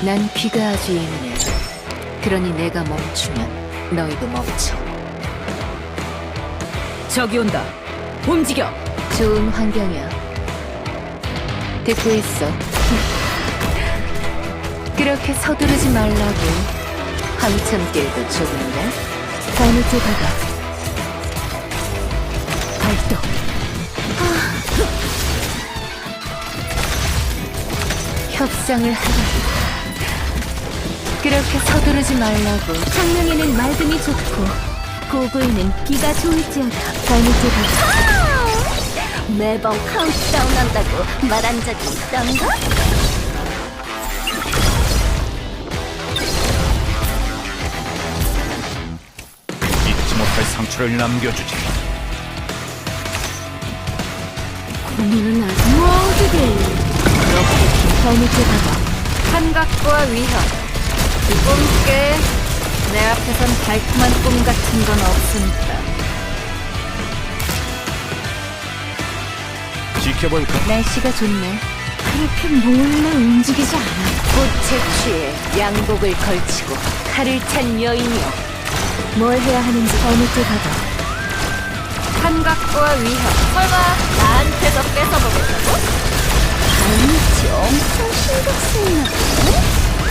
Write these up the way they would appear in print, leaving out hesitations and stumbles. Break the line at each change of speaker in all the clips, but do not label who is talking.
난 귀가 아주 예민해. 그러니 내가 멈추면 너희도 멈춰.
저기 온다. 움직여.
좋은 환경이야. 듣고 있어. 그렇게 서두르지 말라고. 한참 길도 좁은데. 어느 쪽 가봐. 발동. 협상을 하라. 그렇게 서두르지 말라고.
장명에는 맑음이 좋고 고부에는 비가 좋을지어다.
어느 쪽 가봐.
매번 카운트다운 한다고 말한 적이 있던가?
잊지 못할 상처를 남겨주지.
고민은 아주 모두들
어느 쪽 가봐.
환각과 위협. 이 꿈께 내 앞에선 달콤한 꿈 같은 건 없습니다.
지켜볼까?
날씨가 좋네.
그렇게 몰래 움직이지 않아.
꽃에 취해 양복을 걸치고 칼을 찬 여인이여. 뭘 해야 하는지 어느 쪽 가봐.
환각과 위협. 설마 나한테서 뺏어보겠다고?
아니지, 엄청 신경 쓰이나 보네?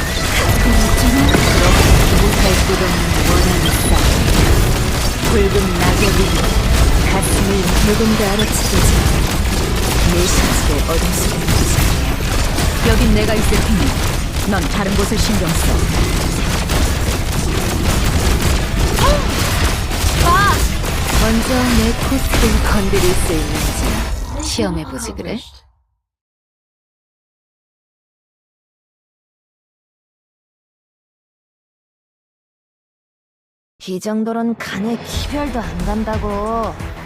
못할 곳 없는 원한의 싸움. 붉은 낙엽이 가슴을 조금 더 알아채지. 내 시체를 어둠 속에 묻지.
여긴 내가 있을 테니 넌 다른 곳을 신경 써.
먼저 내 코스를 건드릴 수 있는지 시험해보지 그래?
이 정도론 간에 기별도 안 간다고.